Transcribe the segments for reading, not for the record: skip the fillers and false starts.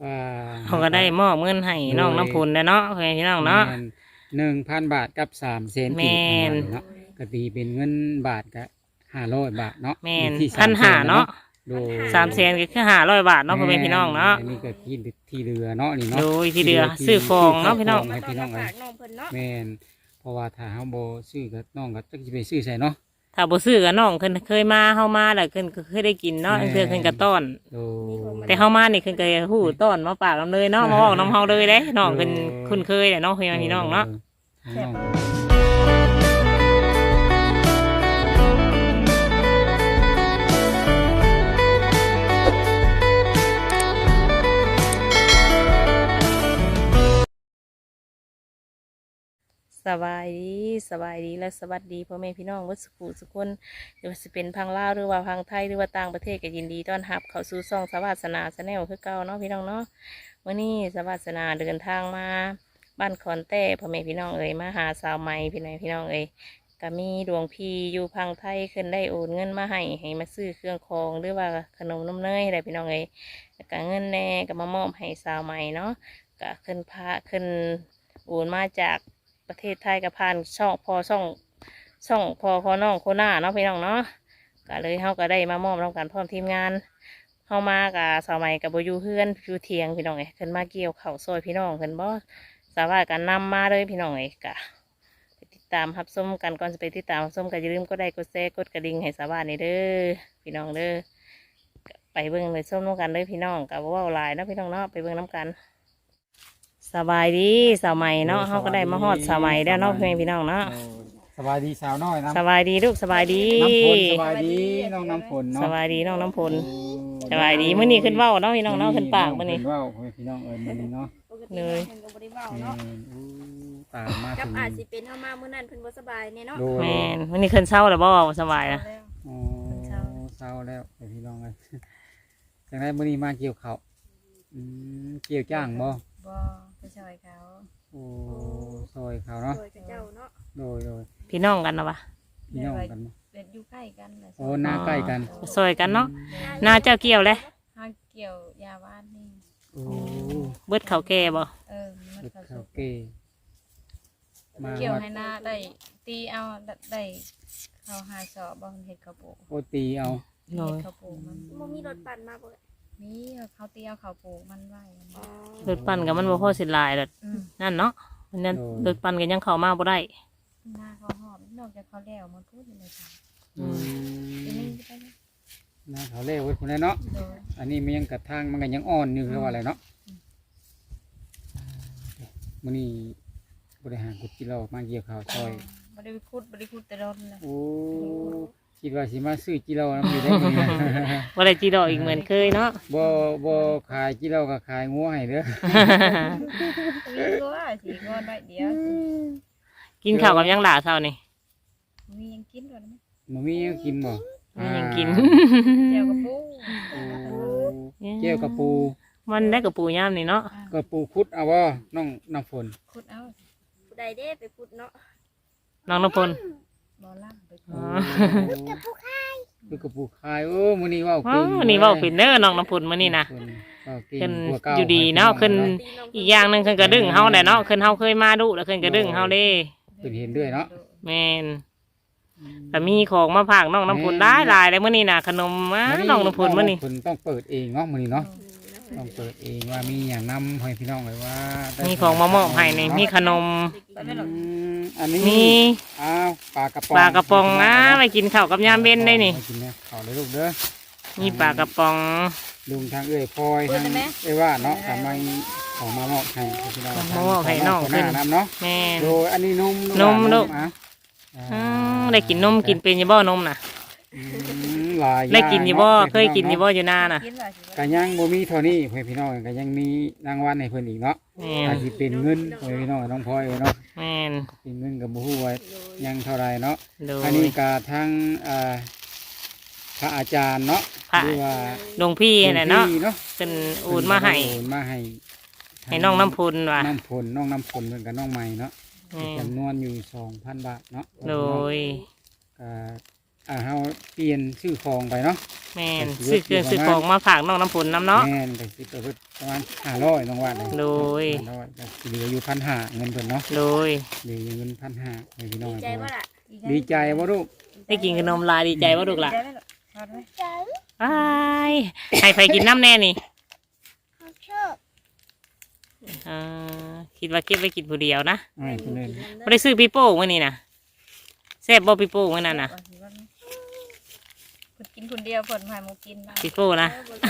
ว่าเขาก็ได้มอบเงินให้น้องน้ำพุนแล้วเนาะเพื่อนพี่น้องเนาะ 1,000 บาทกับ300,000กีบแม่นเนาะก็ตีเป็นเงินบาทก็500 บาทเนาะแม่นอยู่ที่ 1,500เนาะโดย 300,000ก็คือ500 บาทเนาะเพื่อนพี่น้องเนาะอันนี้ก็ที่เรือเนาะนี่เนาะโดยที่เรือซื้อของเนาะพี่น้องให้พี่น้องฝากน้องเพิ่นเนาะแม่นเพราะว่าถ้าเฮาบ่ซื้อก็น้องก็จักสิไปซื้อใส่เนาะถ้าบ่ซื้อก็น้องเพิ่นเคยมาเฮามาแล้วเพิ่นก็เคยได้กินเนาะแม่นเทื่อเพิ่นก็ต้อนโดยแต่เฮามานี่เพิ่นก็ฮู้ต้อนมาปากนำเลยเนาะมาบอกน้ำเฮาเลยเด้น้องเพิ่นคุ้นเคยแหละเนาะเพื่อนพี่น้องเนาะน้องสบายดีและสวัสดีพ่อแม่พี่น้องวัดสุขุสุขคนหรือว่าสิเป็นพังลาวหรือว่าพังไทยหรือว่าต่างประเทศก็ยินดีต้อนรับเข้าสู่ช่องสวัสนาชาแนลคือเก่าเนาะพี่น้องเนาะวันนี้สวัสนาเดินทางมาบ้านคอนแต้พ่อแม่พี่น้องเอ๋ยมาหาสาวใหม่พี่น้องเอ๋ยก็มีดวงพี่อยู่พังไทยขึ้นได้โอนเงินมาให้มาซื้อเครื่องคองหรือว่าขนมนมเนยอะไรพี่น้องเอ๋ยแล้วก็เงินแน่ก็มามอบให้สาวใหม่เนาะก็ขึ้นพาขึ้นโอนมาจากประเทศไทยกับผ่านช่องพอน้องโคน่าเนาะพี่น้องเนาะก็เลยเฮาก็ได้มามอบน้องกันพร้อมทีมงานเฮามากับสาวใหม่กับโบอยูเพื่อนอยู่เทียงพี่น้องเอ้ยขึ้นมาเกี่ยวเข่าวซอยพี่น้องขึ้นบ่สาวากันนำมาเลยพี่น้องเอ้ยกะไปติดตามรับชมกันก่อนจะไปติดตามรับชมก็อย่าลืมกดไลค์กดแชร์กดกระดิ่งให้สาวานี่เด้อพี่น้องเด้อก็ไปเบิ่งเลยชมน้ำกันเลยพี่น้องกับว่าหลายเนาะพี่น้องเนาะไปเบิ่งน้ำกันสบายดีสาวใหม่เนาะเขาก็ได้มาฮอดสาวใหม่แล้วเนาะเพื่อนพี่น้องเนาะสบายดีสาวน้อยนะสบายดีลูกสบายดีน้ำฝนสบายดีน้องน้ำฝนเนาะสบายดีน้องน้ำพลสบายดีมื้อนี้ขึ้นเว้าเนาะพี่น้องเนาะขึ้นปากมื้อนี้ขึ้นเว้าพี่น้องมื้อนี้เนาะปกติน้องเพิ่นก็บ่ได้เว้าเนาะอู้ตามมากับถึงอาจสิเป็นเฮามามื้อนั้นเพิ่นบ่สบายแน่เนาะโดยแม่นมื้อนี้ขึ้นเช้าแล้วบ่สบายนะอ๋อเศร้าแล้วพี่น้องเลยจังไดมื้อนี้มาเกี่ยวข้าวเกี่ยวจ้างบ่บ่ไปช่วยเขาโอ้ซอยเขาเนาะโดยกับเจ้าเนาะโดยพี่น้องกันนะวะพี่น้องกันบ่เป็นอยู่ใกล้กันเลยโอ้หน้าใกล้กันซอยกันเนาะหน้าเจ้าเกี่ยวเลยห้าเกี่ยวยาบ้านนี่โอ้เบิดเขาวแก่บ่มันเฮ็ดเขาข้าวเกมาเกี่ยวฮอดให้หน้าได้ตีเอาได้เขาหาสอบบ่เฮ็ดข้าวปลูกโอตีเอาโดเฮ็ดยข้าวปลูกมันบ่มีรถปั่นมาบ่มีเขาตีเอาข้าวปลูกมันไว้อ๋อรถปั่นกับมันบ่พอสิหลายดอกนั่นเนาะมันนั่นรถปั่นก็ยังเข้ามาบ่ได้หน้าเขาหอมนอกจากเขาแล้วมันพูดเลยค่ะอืมทีนี้ไปเลยหน้าเขาเล่ไว้พุ่นแหละเนาะโดยอันนี้มันยังกระทางมันก็ยังอ่อนอยู่คือว่าอะไรเนาะมื้อนี้บริหารกุจิเรามาเกี่ยวข้าวซอยบ่ได้คุดแต่ร้อนเลยโอ้คิดว่าสิมาซื้อจิเรานำอยู่ได้มื้อนี้บ่ได้จีดอกอีกเหมือนเคยเนาะบ่ขายจิเราก็ขายงัวให้เด้อมีตัวสีงอนไว้เดียวกินข้าวกับยังหลาเช้านี่มียังกินด้วยมั้ยบ่มีหยังกินบ่มันยังกินเจียวกับปูโอ้เกี่ยวกับปูมันได้กับปูย่ามนี่เนาะก็ปูคุดเอาบ่น้องน้ำฝนคุดเอาผู้ใดเด้ไปพุดเนาะน้องน้ำพลบ่ล่ำไปอ๋อคือกับปูคายโอ้มื้อนี้เว้าอ๋เก่อง นี่เว้าเป็นเด้อน้องน้ำพลมื้อนี้นะเว้าเก่งขึ้นกว่าเก่าอยู่ดีเนาะขึ้นตีน้องอีกอย่างหนึงขึ้นกระดึงเฮาแหละเนาะขึ้นเฮาเคยมาดุแล้วขึ้นกระดึงเฮาเด้เพิ่นเห็นด้วยเนาะแม่นแต่มีของมาฝากน้องน้ำพลได้หลายเลยมื้อนี้น่ะขนมมาน้องน้ำพลมื้อนี้เพิ่นต้องเปิดเองเนาะมื้อนี้เนาะอืมต้องเปิดเองว่ามีอย่างนำให้พี่น้องเลยว่าได้มีของมามอบให้นี่มีขนมอันนี้มีอ้าวปลากระป๋องปลากระป๋องนะไปกินข้าวกับยามเบ็นได้นี่ไปกินเนี่ยข้าวเลยลูกเด้อมีปลากระป๋องลุงทางเอ้ยพลอยทางเอ้ยว่าเนาะทำไมของมามอบให้พี่น้องมามอบให้น้องคขึ้นหน้าน้ำเนาะแม่นโดยอันนี้นมนมลูกอ่ะอืมได้กินนมกินเป็นอยี่บ่นมน่ะหลายได้กินอยี่บ่างเคยกินอยี่บ่อยู่หน้าน่ะกินว่าสิก็ยังบ่มีเท่านี้เพื่อนพี่น้องก็ยังมีรางวัลให้เพิ่นอีกเนาะแม่อาจสิเป็นเงินเพื่อนพี่น้องน้องพลอยเนาะแม่นเป็นเงินกับบ่ฮู้ว่ายังเท่าไรเนาะโดยอันนี้ก็ทั้งพระอาจารย์เนาะพระหรือว่าหลวงพี่น่ะเนาะหลวงพี่เนาะเป็นโอนมาให้โอนมาให้ให้น้องน้ำพลว่ะน้ำพลน้องน้ำพลเพิ่นกับน้องใหม่เนาะแม่นจำนวนอยู่ 2,000 บาทเนาะโดยก็เฮาเปลี่ยนชื่อของไปเนาะแม่นซื้อเครื่องซื้อของมาฝากน้องน้ำผลน้ำเนาะแม่นก็สิเปิดประมาณ500น้องว่าเลยโดย 500ก็สิเหลืออยู่1,500เงินเพิ่นเนาะโดยเหลืออยู่เงิน1,500ให้พี่น้องดีใจว่าล่ะดีใจบ่ลูกได้กินขนมลายดีใจว่าลูกหล่ะได้ไหมลูกทอดไหมอ้ายให้ไฟกินน้ำแน่นี่อ่าคิดว่าเก็บไว้กินผู้เดียวนะให้เพิ่นเล่นไม่ได้ซื้อปีโป้มื้อนี้นะแซ่บบ่ปีโป้มื้อนั้นน่ะผลกินคนเดียวผลพายหมูกินบ้างปีโป้นะ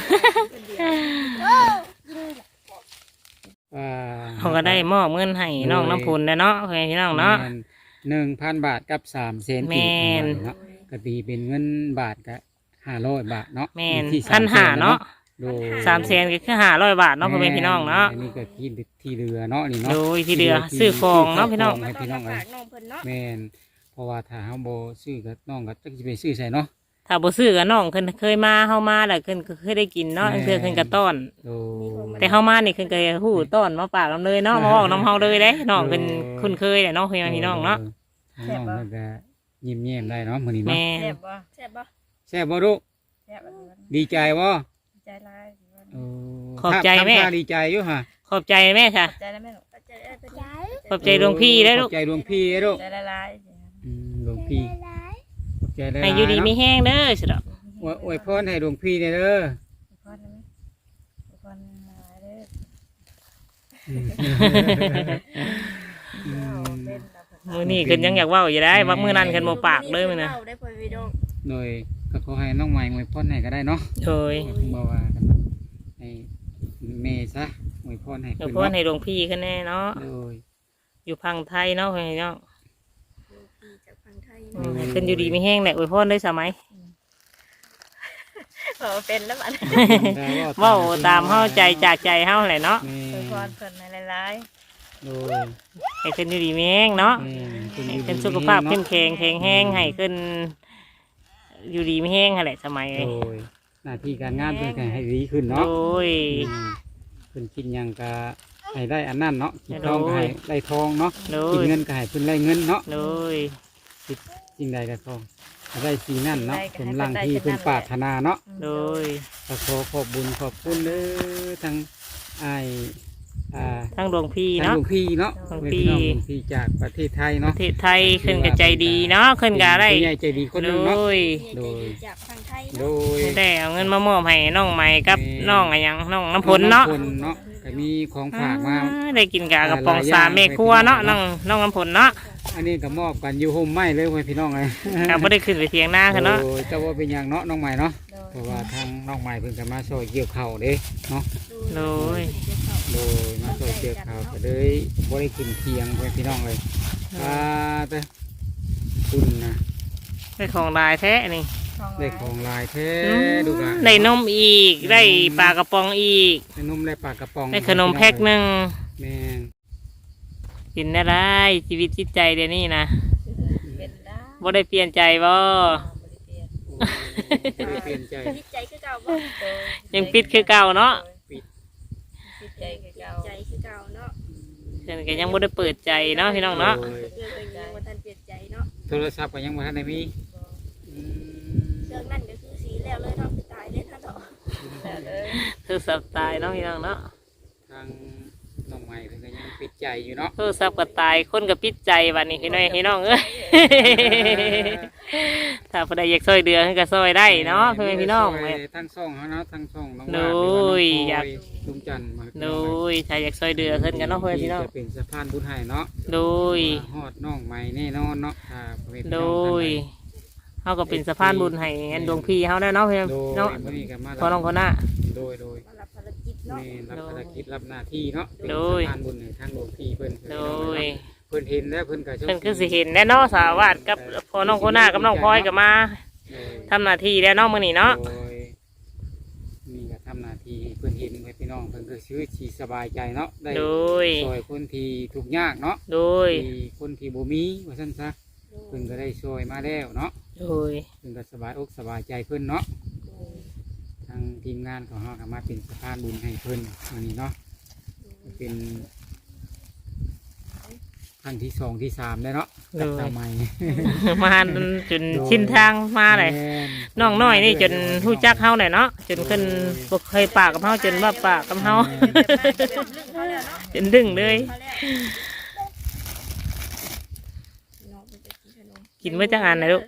เขาก็ได้มอบเงินให้น้องน้ำพุนแล้วเนาะเพื่อนพี่น้องเนาะ 1,000 บาทกับ3เซนแม่นเนาะก็ตีเป็นเงินบาทก็500 บาทเนาะแม่นที่ 1,500เนาะโดย 300,000ก็คือ500 บาทเนาะเพื่อนพี่น้องเนาะอันนี้ก็ที่เรือเนาะนี่เนาะโดยที่เดือซื้อของเนาะพี่น้องให้พี่น้องฝากน้องเพิ่นเนาะแม่นเพราะว่าถ้าเฮาบ่ซื้อก็น้องก็จักสิไปซื้อใส่เนาะถ้าบ่ซื้อกับน้องเพิ่นเคยมาเฮามาแล้วเพิ่นก็เคยได้กินเนาะแม่นเพิ่นก็ต้อนโดยแต่เฮามานี่เพิ่นก็ฮู้ต้อนมาปากนำเลยเนาะมาเว้านำเฮาเลยเด้น้องเพิ่นคุ้นเคยแหละเนาะเพื่อนพี่น้องเนาะน้องมันก็ยิ้มแย้มได้เนาะมื้อนี้เนาะแม่แซ่บบ่แซ่บบ่แซ่บบ่ลูกแซ่บอะไรวะดีใจบ่ใจร้ายโอ้ขอบใจแม่ทำท่าดีใจอยู่ฮะขอบใจแม่ค่ะใจแล้วแม่ลูกปัจจัยปัจจัยขอบใจหลวงพี่ได้อลูขกอบใจหลวงพี่ได้อลูกใจร้ายหลวงพี่ขอบใจได้ให้อยู่ดีมีแห้งเด้อสิดอกอวยพรให้หลวงพี่เด้อพอดไหมพอดหายเด้อมื้อนี้เพิ่นยังอยากเว้าอยู่ได้ว่ามื้อนั้นเพิ่นบ่ปากเลยมื้อน่ะเว้าได้พ่อพี่น้องโดยก็ขอให้น้องใหม่อวยพรให้ก็ได้เนาะโดยบ่ว่ากันให้แม่ซะอวยพรให้เดี๋ยวเพิ่นเพิ่นเนาะให้หลวงพี่ขึ้นแน่เนาะโดยอยู่พังไทยเนาะเพื่อนพี่น้องพี่จากฝั่งไทยให้เพิ่นอยู่ดีมีแห้งแหละอวยพรได้สมัยเป็นแล้วมันเว้าตามเฮาใจจากใจเฮาแหละเนาะแม่พอดเพิ่นในร้ายโดยให้เพิ่นอยู่ดีมีแห้งเนาะแม่ให้เพิ่นสุขภาพเข้มแข็งแข็งแรงให้เพิ่นอยู่ดีมีแห้งหั่นแหละสมัยโดยหน้าที่การงานเพิ่นก็ให้ดีขึ้นโดเนาะยเพิ่นกินหยังก็ให้ได้อันนั้นเนาะกินทองก็ให้ได้ทองเนาะโดกินยเงินก็ให้เพิ่นได้เงินเนาะโดยสิ่งใดก็ขอให้ได้สิ่งนั้นเนาะสมรังที่เพิ่นปรารถนาเนาะโดยก็ขอขอบบุญขอบคุณเด้อทั้งอ้ายทั้งหลวงพี่ทั้งเนาะหลวงพี่เนาะหลวงเป็นพี่พี่น้องหลวงพี่จากประเทศไทยปเนาะระเทศไทยขึ้นก็ใจดีเนาะขึ้นก็ได้ผู้ใหญ่ใจดีคนหนึงโดเนาะยโดยจากฝั่งไทยโดเนาะยได้เอาเงินมามอบให้น้องใหม่กับน้องอะไรหยังน้องน้ำพลเนาะองำเนาะก็มีของฝากมาได้กินกากระป๋องสามเมครัวเนาะน้องน้ำผลเนาะอันนี้ก็มอบกันอยู่ห่มไม้เลยไว้พี่น้องเลยก็ไม่ได้ขึ้นไปเทียงหน้ากันเนาะโดยแต่ว่าเป็นอย่างเนาะน้องใหม่เนาะโดยเพราะว่าทางน้องใหม่เพิ่งจะมาช่วยเกี่ยวข้าวเด้เนาะโดยโดยมาช่วยเกี่ยวข้าวก็เลยบ่ได้ขึ้นเทียงไว้พี่น้องเลยแต่คุณนะได้ของลายแท้นี่ได้ของลายแท้ดูกันได้นมอีกได้ปลากระป๋องอีกได้นมได้ปลากระป๋องได้ขนมแพ็คหนึ่งแม่นกินได้ไรชีวิตจิตใจเดี๋ยวนี้นะเป็นได้บ่ได้เปลี่ยนใจบ่บ่ได้เปลี่ยนใจจิตใจคือเก่าบ่ยังปิดคือเก่าเนาะปิดใจคือเก่าใจคือเก่าเนาะเพิ่นก็ยังบ่ได้เปิดใจเนาะพี่น้องเนาะโดยเรื่องยังบ่ทันเปลี่ยนใจเนาะโทรศัพท์ก็ยังบ่ทันได้มีอืมเรื่องนั้นก็คือสีแล้วเลยเนาะตายเลยเนาะแล้วเลยโทรศัพท์ตายเนาะพี่น้องเนาะทางน้องใหม่เพิ่นก็ยังปิดใจอยู่เนาะโทรศัพท์ก็ตายคนก็ปิดใจบัดนี้พี่น้องเอ้ย ถ้าผู้ใดอยากช่วยเดือเพิ่นก็ช่วยได้เนาะเพื่อนพี่น้องช่เว้วย ยทั้งช่องเขาเนาะทั้งช่องน้องโดวาดหรือว่าน้องยพลอยากลุงจันทร์มาโดยถ้าอยากช่วยเดือเพิ่นก็เนาะเพื่อนพี่น้องจะเป็นสะพานบุญให้เนาะโดยฮอดน้องใหม่แน่นอนเนาะถ้าพ่อแม่พี่โดน้องท่านยใดเฮาก็เป็นสะพานบุญให้อันดวงพี่เฮาได้เนาะเพื่อนโดยเนาะมื้อนี้ก็มาพอน้องคนน่ะโดยมารับภารกิจเนาะแม่รับภารกิจรับหน้าที่เนาะเป็นโดยสะพานบุญให้ทางหลวงพี่เพิ่นโดยเพิ่นเห็นแล้วเพิ่นก็เพิ่นคือสิเห็นแน่เนาะสาวาดกับพอน้องคนน่ะกับน้องพลอยก็มาโดยทำหน้าที่แล้วเนาะมื้อนี้เนาะโดยนี่ก็ทำหน้าที่ให้เพิ่นเห็นให้พี่น้องเพิ่นก็ชีวิตที่สบายใจเนาะได้โดยช่วยคนที่ทุกข์ยากเนาะโดยที่คนที่บ่มีว่าซั่นซะเพิ่นก็ได้ช่วยมาแล้วเนาะโดยเพิ่นก็สบายอกสบายใจเพิ่นเนาะทางทีมงานของเฮาก็มาเป็นสะพานบุญให้เพิ่นวันนี้เนาะเป็นครั้งที่2ที่3แล้วเนาะกับสาวใหม่มาจนชินทางมาเลยแม่นน้องน้อยนี่จนฮู้จักเฮาเลยเนาะจนขึ้นบ่เคยปากกับเฮาจนว่าปากกับเฮา จนดึงเลยน้องเพิ่นจะกินขนมกินเมื่อจังอันนะลูก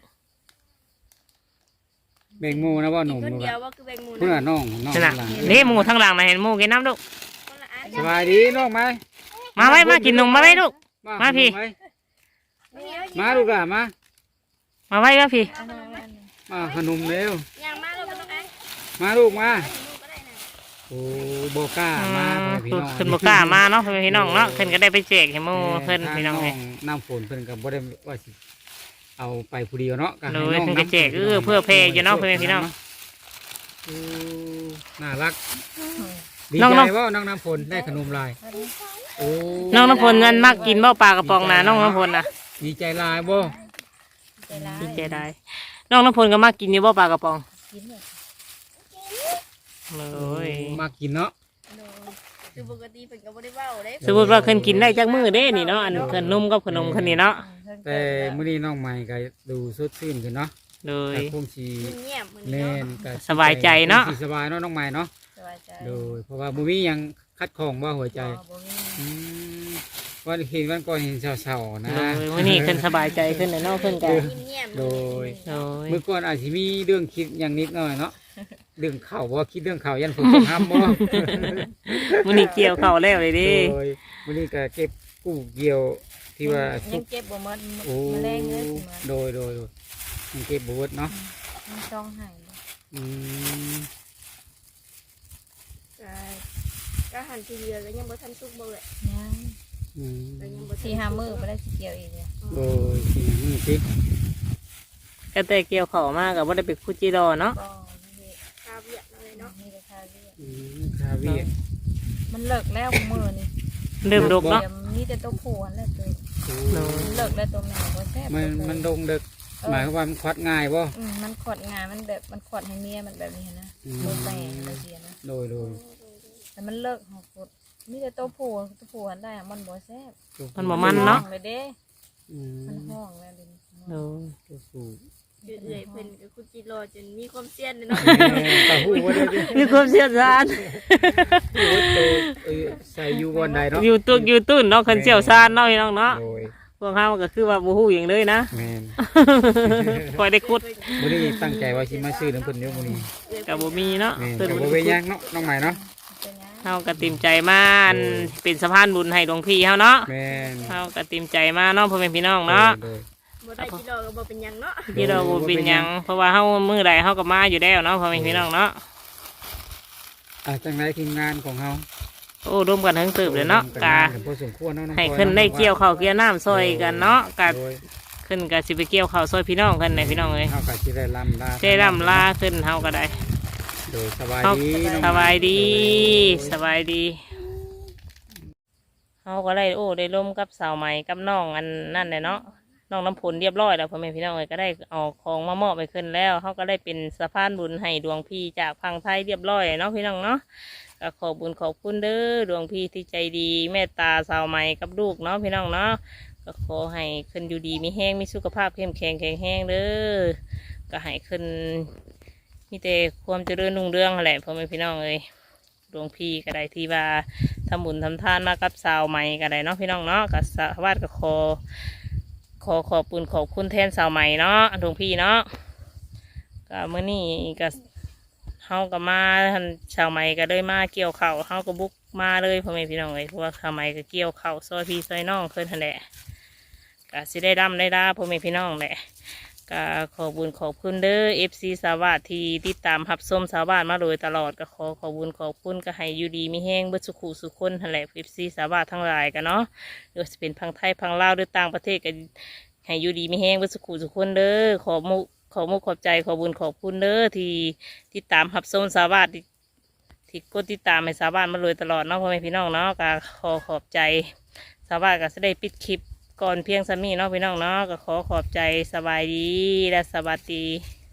แบ่งหมู่นะบ่หนุ่มคนลูกเดียอะวว่าคือแบ่งหมูเพื่อน้องนั่นน่ะหลังนี่หมูทางหลังน่ะเห็นหมูกินน้ำลูกคนละอันสบายดีน้องไหมมาไว้มากินนมมาไว้ลูก มาพี่ขนไหมาลูกอ่ะมามาไว้ก็พี่มาขนมเร็วย่างมาแล้วก็น้องไอ้มาลูกมาให้หนูก็ได้นะโอ้โบกล้ามาพ่อแม่พี่น้องขึ้นบกล้ามาเนาะพี่น้องเนาะขึ้นก็ได้ไปแจกให้หมูเพิ่นพี่น้องเลยน้ำฝนเพิ่นก็บ่ได้ว่าสิเอาไปผู้เดียวเนาะก็ให้เลยน้องเพิ่นก็แจกเพื่อเพย์อยู่เนาะพี่น้องโอ้น่ารักดีน้องใจน้องว่าน้องน้ำฝนได้ขนมลายโอ้น้องน้ำพลนั่นมักกินบ่ปลากระป๋องนะน้องน้ำพลนะดีใจลายบ่ดีใจได้น้องน้ำพลก็มักกินอยู่บ่ปลากระป๋องเลยมากินเนาะคือปกติเพิ่นก็บ่ได้เว้าเด้สมมติว่าขึ้นกินได้จักมื้อเด้นี่เนาะอันขนมกับขนมคันนี้เนาะแต่มื้อนี้น้องใหม่ก็ดูสดชื่นขึ้นเนาะเลยแต่คงสิเงียบมื้อนี้แน่เนาะนก็สบายใจเนาะคงสิสบายเนาะน้องใหม่เนาะสบายใจโดยเพราะว่าบ่มีหยังคัดของบ่หัวใจบ่มีอืมวันเห็นวันก่อนเห็นเศร้าๆนะเลยมื้อนี้ขึ้นสบายใจขึ้นเลยเนาะขึ้นกันเงียบๆโดยเลยเมื่อก่อนอาจจะมีเรื่องคิดอย่างนิดหน่อยเนาะเรื่องข่าวว่าคิดเรื่องข่าวยันฝนตกห้ำบ่มื้อนี้เกี่ยวเข้าวแล้วเลยดิโดยวันนี้ก็เก็บกู้เกี่ยวที่ว่ายัสุงกเก็บบ่หมดโอ้แมลงเลยสิมาโดยยังเก็บบวชเนาะมันต้องหายอืมก็หันทีเดียวก็ยังบ่ทันสุกบ่เลยยังอืมก็ยังบ่ทันสี่ห้ามื้อบ่ได้สิเกี่ยวอีกเลยโดยสิ่งนี้สิก็แต่เกี่ยวเข้าวมาก็บ่ได้ไปคุจิรอเนาะบ่มีคาเวียดเลยเนาะมีแต่คาเรียกคาเวียร์มันเลิกแล้วมื้อนี่เริ่มดกเนาะดี๋ยวมีแต่ตัวผู้อันแล้วตัวโอ้มันเลิกแล้วตัวแม่บ่แซ่บมันดงเด็กหมายความว่ามันควัดง่ายบ่มันขดงานมันแบบมันขดให้เมียมันแบบนี้นะอืมโดนแปลงอะไรเสียนะโดยแต่มันเลิกหอกดมีแต่ตัวผู้อันได้อะมันบ่แซ่บมันบ่มันเนาะห้องเลยเด้อืมมันห้องแล้วเดิโดยตัวสูงเอื่อยๆเพิ่นก็คุจิรอจนมีความเซียนเลยเนาะตาหูว่าได้ดิมีความเชี่ยวชาญโอ้ยตัวใส่อยู่บนใดเนาะอยู่ตุกอยู่ตุ้นเนาะคนเชี่ยวชาญเนาะพี่น้องเนาะโดยพวกเฮาก็คือว่าบ่ฮู้หยังเลยนะแม่นคอยได้คุดมื้อนี้ตั้งใจว่าสิมาซื้อน้ำเพิ่นเดี๋ยวมื้อนี้ก็บ่มีเนาะแม่นเพิ่นก็บ่บ่ได้ไปคุดย่างเนาะน้องใหม่เนาะเป็นไงเฮาก็เต็มใจมาอันเป็นสะพานบุญให้หลวงพี่เฮาเนาะแม่นเฮาก็เต็มใจมาเนาะพ่อแม่พี่น้องเนาะโดยบ่ได้จิรอก็บ่เป็นหยังเนาะที่เราบ่เป็นหยังเพราะว่าเฮามื้อใดเฮาก็มาอยู่แล้วเนาะพ่อแม่พี่น้องเนาะจังไดทีมงานของเฮาโอ้ร่วมกันทั้งตึบเลยเนาะกะพอสมควรเนาะน้องให้พลอยขึ้นได้เกี่ยวข้าวเกี่ยวน้ำซอยกันเนาะกะโดยขึ้นกะสิไปเกี่ยวข้าวซอยพี่น้องกันในพี่น้องเอ้ยเฮาก็สิได้ลำลาเจ้ร่ำลาขึ้นเฮาก็ได้โดยสบายเฮาดีน้องสบายดีสบายดีเฮาก็ได้โอ้ได้ร่วมกับสาวใหม่กับน้องอันนั่นเลยเนาะน้องน้ำผลเรียบร้อยแล้วพ่อแม่พี่น้องเอ้ยก็ได้เอาของมามอบไปขึ้นแล้วเฮาก็ได้เป็นสะพานบุญให้ดวงพี่จากพังไทยเรียบร้อยเนาะพี่น้องเนาะก็ขอบุญขอบคุณเด้อดวงพี่ที่ใจดีเมตตาสาวใหม่กับลูกเนาะพี่น้องเนาะก็ขอให้ขึ้นอยู่ดีมีแห้งมีสุขภาพเข้มแข็งแข็งแห้งเด้อก็ให้ขึ้นมีแต่ความเจริญรุ่งเรืองนั่นแหละพ่อแม่พี่น้องเอ้ยดวงพี่ก็ได้ที่ว่าทำบุญทำทานมากับสาวใหม่ก็ได้เนาะพี่น้องเนาะก็สวัสดิ์ก็ขอบคุณขอบคุณแทนสาวใหม่เนาะดวงพี่เนาะก็เมื่อนี้ก็เฮาก็มาท่านชาวใหม่ก็เลยมาเกี่ยวข้าวเฮาก็บุกมาเลยพ่อแม่พี่น้องเลยเพราะว่าชาวใหม่ก็เกี่ยวข้าวซอยพี่ซอยน้องเพิ่นนั่นแหละก็สิได้ดำได้ดาพ่อแม่พี่น้องแหละก็ขอบุญขอบคุณเด้อ FC สาวาสที่ติดตามรับชมสาวบ้านมาโดยตลอดก็ขอบุญขอบคุณก็ให้อยู่ดีมีแห้งเบิดสุขุสุขคนนั่นแหละ FC สาวาสทั้งหลายกันเนาะหรือว่าจะเป็นพังไทยพังลาวหรือต่างประเทศก็ให้อยู่ดีมีแห้งเบิดสุขุสุขคนเด้อขอมุกขอบใจขอบุญขอบคุณเด้อที่ติดตามรับชมสาวาสที่กดติดตามให้สาวบ้านมาโดยตลอดเนาะพ่อแม่พี่น้องเนาะก็ขอบใจสาวาสก็จะได้ปิดคลิปก่อนเพียงสามีเนาะพี่น้องเนาะก็ขอบใจสบายดีและสวัสดี